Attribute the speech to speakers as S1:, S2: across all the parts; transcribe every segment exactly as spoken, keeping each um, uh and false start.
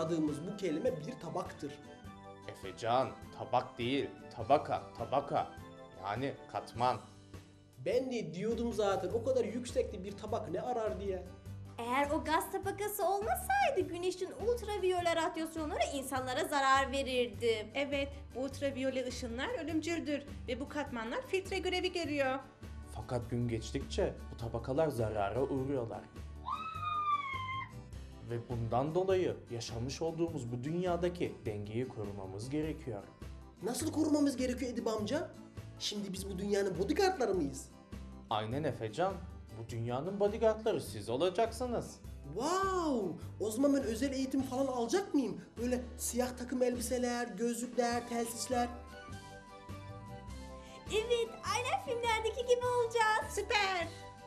S1: aradığımız bu kelime bir tabaktır.
S2: Efecan, tabak değil, tabaka, tabaka. Yani katman.
S1: Ben de diyordum zaten, o kadar yüksekte bir tabak ne arar diye.
S3: Eğer o gaz tabakası olmasaydı güneşin ultraviyole radyasyonları insanlara zarar verirdi.
S4: Evet, bu ultraviyole ışınlar ölümcüldür ve bu katmanlar filtre görevi görüyor.
S2: Fakat gün geçtikçe bu tabakalar zarara uğruyorlar. Ve bundan dolayı yaşamış olduğumuz bu dünyadaki dengeyi korumamız gerekiyor.
S1: Nasıl korumamız gerekiyor Edip amca? Şimdi biz bu dünyanın bodyguardları mıyız?
S2: Aynen Efecan, bu dünyanın bodyguardları siz olacaksınız.
S1: Wow! O zaman ben özel eğitim falan alacak mıyım? Böyle siyah takım elbiseler, gözlükler, telsizler.
S3: Evet, aynen filmlerdeki gibi olacağız.
S4: Süper!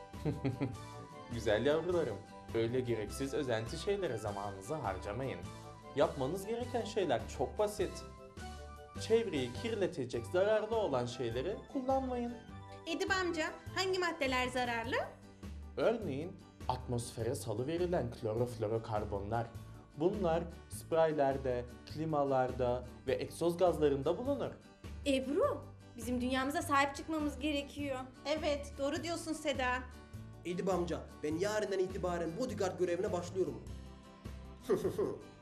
S2: Güzel yavrularım, öyle gereksiz özenti şeylere zamanınızı harcamayın. Yapmanız gereken şeyler çok basit. Çevreyi kirletecek zararlı olan şeyleri kullanmayın.
S4: Edip amca, hangi maddeler zararlı?
S2: Örneğin atmosfere salıverilen kloroflorokarbonlar. Bunlar spreylerde, klimalarda ve egzoz gazlarında bulunur.
S3: Ebru, bizim dünyamıza sahip çıkmamız gerekiyor.
S4: Evet, doğru diyorsun Seda.
S1: Edip amca, ben yarından itibaren bodyguard görevine başlıyorum.